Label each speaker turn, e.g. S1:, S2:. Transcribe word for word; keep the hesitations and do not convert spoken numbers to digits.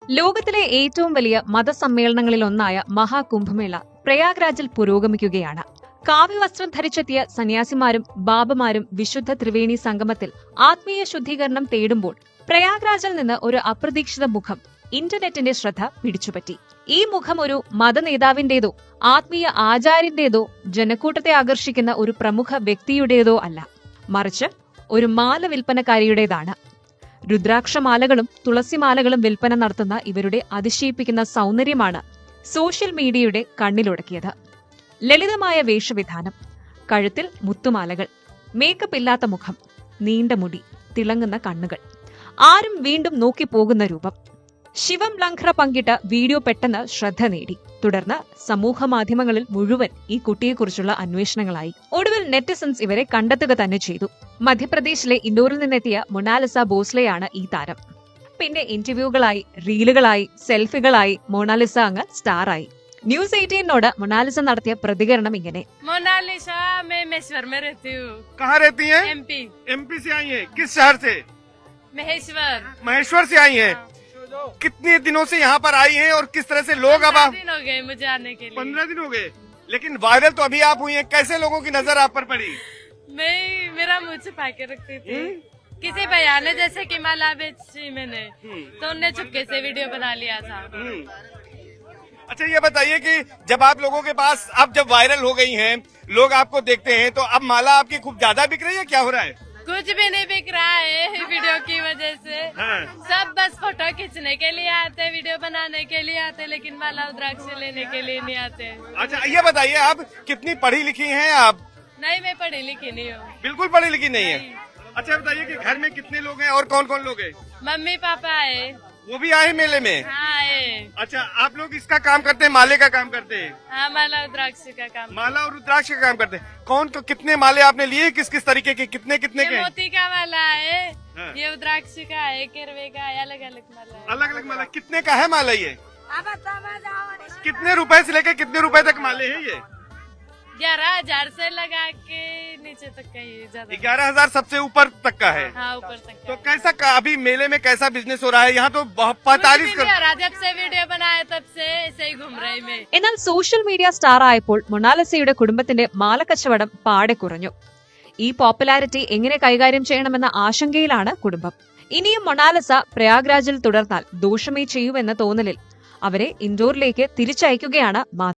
S1: ലോകത്തിലെ ഏറ്റവും വലിയ മതസമ്മേളനങ്ങളിലൊന്നായ മഹാകുംഭമേള പ്രയാഗ്രാജിൽ പുരോഗമിക്കുകയാണ്. കാവ്യവസ്ത്രം ധരിച്ചെത്തിയ സന്യാസിമാരും ബാബമാരും വിശുദ്ധ ത്രിവേണി സംഗമത്തിൽ ആത്മീയ ശുദ്ധീകരണം തേടുമ്പോൾ പ്രയാഗ്രാജിൽ നിന്ന് ഒരു അപ്രതീക്ഷിത മുഖം ഇന്റർനെറ്റിന്റെ ശ്രദ്ധ പിടിച്ചുപറ്റി. ഈ മുഖം ഒരു മതനേതാവിന്റേതോ ആത്മീയ ആചാര്യന്റേതോ ജനക്കൂട്ടത്തെ ആകർഷിക്കുന്ന ഒരു പ്രമുഖ വ്യക്തിയുടേതോ അല്ല, മറിച്ച് ഒരു മാല വിൽപ്പനക്കാരിയുടേതാണ്. രുദ്രാക്ഷമാലകളും തുളസിമാലകളും വിൽപ്പന നടത്തുന്ന ഇവരുടെ അതിശയിപ്പിക്കുന്ന സൗന്ദര്യമാണ് സോഷ്യൽ മീഡിയയുടെ കണ്ണിലുടക്കിയത്. ലളിതമായ വേഷവിധാനം, കഴുത്തിൽ മുത്തുമാലകൾ, മേക്കപ്പ് ഇല്ലാത്ത മുഖം, നീണ്ട മുടി, തിളങ്ങുന്ന കണ്ണുകൾ, ആരും വീണ്ടും നോക്കിപ്പോകുന്ന രൂപം. ശിവം ലംഘ്ര പങ്കിട്ട വീഡിയോ പെട്ടെന്ന് ശ്രദ്ധ നേടി. തുടർന്ന് സമൂഹ മാധ്യമങ്ങളിൽ മുഴുവൻ ഈ കുട്ടിയെക്കുറിച്ചുള്ള അന്വേഷണങ്ങളായി. ഒടുവിൽ നെറ്റിസൺസ് ഇവരെ കണ്ടെത്തുക തന്നെ ചെയ്തു. മധ്യപ്രദേശിലെ ഇൻഡോറിൽ നിന്നെത്തിയ മൊണാലിസ ബോസ്ലെയാണ് ഈ താരം. പിന്നെ ഇന്റർവ്യൂകളായി, റീലുകളായി, സെൽഫികളായി മൊണാലിസ അങ്ങ് സ്റ്റാറായി. ന്യൂസ് എയ്റ്റീനോട് മൊണാലിസ നടത്തിയ പ്രതികരണം ഇങ്ങനെ:
S2: मोनालिसा मैं महेश्वर में रहती हूँ।
S3: कहाँ रहती हैं?
S2: एमपी।
S3: एमपी से आई हैं? किस शहर से?
S2: महेश्वर।
S3: महेश्वर से आई हैं। कितने दिनों से यहाँ पर आई हैं और किस तरह से लोग अब आप?
S2: दिन हो गए मुझे आने के लिए।
S3: पंद्रह दिन हो गए, लेकिन वायरल तो अभी आप हुई हैं। कैसे लोगों की नजर आप पर पड़ी?
S2: मैं मेरा मुंह छुपा के रखती थी। किसी भैया ने जैसे कि माला बेची मैंने, तो उनने चुपके से वीडियो बना लिया था।
S3: अच्छा, ये बताइए कि जब आप लोगों के पास अब जब वायरल हो गई हैं, लोग आपको देखते हैं, तो अब माला आपकी खूब ज्यादा बिक रही है, क्या हो रहा है?
S2: कुछ भी नहीं बिक रहा है वीडियो की वजह से।
S3: हाँ।
S2: सब बस फोटो खींचने के लिए आते, वीडियो बनाने के लिए आते, लेकिन माला रुद्राक्ष लेने के लिए नहीं आते।
S3: अच्छा, ये बताइए आप कितनी पढ़ी लिखी हैं आप?
S2: नहीं, मैं पढ़ी लिखी नहीं हूँ।
S3: बिल्कुल पढ़ी लिखी नहीं है। अच्छा, बताइए कि घर में कितने लोग हैं और कौन कौन लोग हैं?
S2: मम्मी पापा आए।
S3: वो भी आए मेले में?
S2: हाँ आए।
S3: अच्छा, आप लोग इसका काम करते हैं, माले का काम करते हैं?
S2: हाँ, माला रुद्राक्ष का काम।
S3: माला और रुद्राक्ष का काम करते हैं। कौन तो कितने माले आपने लिए, किस किस तरीके के, कितने कितने के?
S2: ये मोती का माला है,
S3: हाँ।
S2: ये रुद्राक्ष का है, केरवे का है, अलग अलग माला है।
S3: अलग अलग माला कितने का है माला ये? कितने रुपए से लेकर कितने रुपए तक माले हैं ये?
S2: ग्यारह हजार से लगा के नीचे तक का ही ज्यादा।
S3: ग्यारह हजार सबसे ऊपर तक का है।
S2: हाँ, ऊपर तक
S3: तो
S2: का।
S3: कैसा का, अभी मेले में कैसा बिजनेस हो रहा है? यहाँ तो पैतालीस
S2: कुछ भी नहीं हो रहा, जब से वीडियो बनाया तब से ऐसे ही घूम रही मैं।
S1: എന്നാൽ സോഷ്യൽ മീഡിയ സ്റ്റാർ ആയപ്പോൾ മൊണാലിസയുടെ കുടുംബത്തിന്റെ മാലക്കച്ചവടം പാടെ കുറഞ്ഞു. ഈ പോപ്പുലാരിറ്റി എങ്ങനെ കൈകാര്യം ചെയ്യണമെന്ന ആശങ്കയിലാണ് കുടുംബം. ഇനിയും മൊണാലിസ പ്രയാഗ്രാജിൽ തുടർന്നാൽ ദോഷമേ ചെയ്യൂവെന്ന തോന്നലിൽ അവരെ ഇൻഡോറിലേക്ക് തിരിച്ചയക്കുകയാണ് മാധ്യമം.